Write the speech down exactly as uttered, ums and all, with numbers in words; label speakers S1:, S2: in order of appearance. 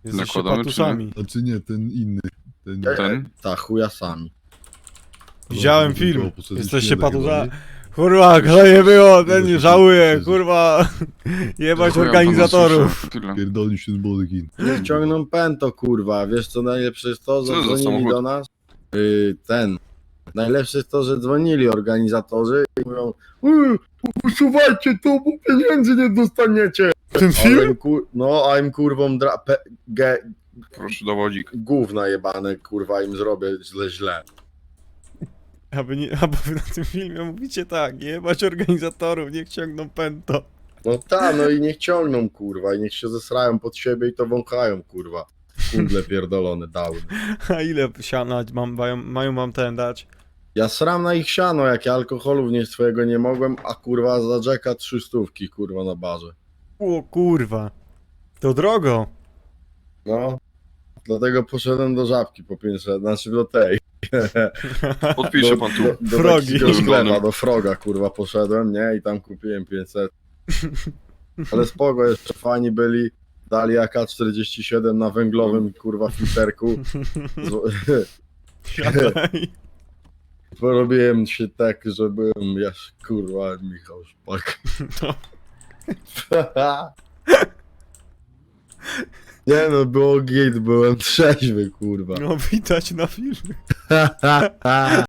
S1: Jesteście
S2: Nakładamy,
S1: patusami.
S3: Znaczy nie, ten inny. Ten,
S2: Ten?
S4: Ta chujasami.
S1: Widziałem
S3: Dobra,
S1: film.
S3: tylko poszedłeś
S1: Jesteście
S3: środek
S1: patusa.
S3: chyba,
S1: Kurwa, kto nie było, ten nie
S3: Tego się
S1: żałuje,
S3: tu-
S1: kurwa. Jebać
S2: Chuja
S1: organizatorów.
S2: pana słyszę.
S3: Pierdolił się z bodykin.
S4: Niech ciągną pęto, kurwa. Wiesz co najlepsze jest to, że
S2: Co za
S4: dzwonili
S2: samochód?
S4: do nas? Yy, ten. Najlepsze jest to, że dzwonili organizatorzy i mówią "Yy, usuwajcie to, bo pieniędzy nie dostaniecie.
S1: Ten
S4: A
S1: film?
S4: im kur... No, a im kurwą dra... Pe... Ge...
S2: Proszę dowodzik.
S4: gówna jebane, kurwa, im zrobię źle, źle.
S1: Aby, nie, aby na tym filmie mówicie tak, jebać organizatorów, niech ciągną pęto.
S4: No ta, no i niech ciągną, kurwa, i niech się zesrają pod siebie i to wąchają, kurwa. Kundle pierdolone, dawny.
S1: A ile siana mam, mają, mają mam ten dać?
S4: Ja sram na ich siano, jak ja alkoholu wnieść swojego nie mogłem, a kurwa za Jacka trzy stówki, kurwa, na barze.
S1: O kurwa. To drogo.
S4: No, dlatego poszedłem do Żabki po pięćset, znaczy do tej.
S2: Podpisze
S4: do,
S2: pan tu.
S4: Do, do
S1: Frogi.
S4: takiego sklepa,
S2: Golden.
S4: do Froga, kurwa, poszedłem, nie? I tam kupiłem pięćset. Ale spoko, jeszcze fani byli. Dali A K czterdzieści siedem na węglowym, kurwa, filterku. Z-
S1: Siadaj.
S4: Porobiłem się tak, że byłem, ja kurwa, Michał Szpak.
S1: No.
S4: Nie no, było git, byłem trzeźwy, kurwa.
S1: No widać na filmie.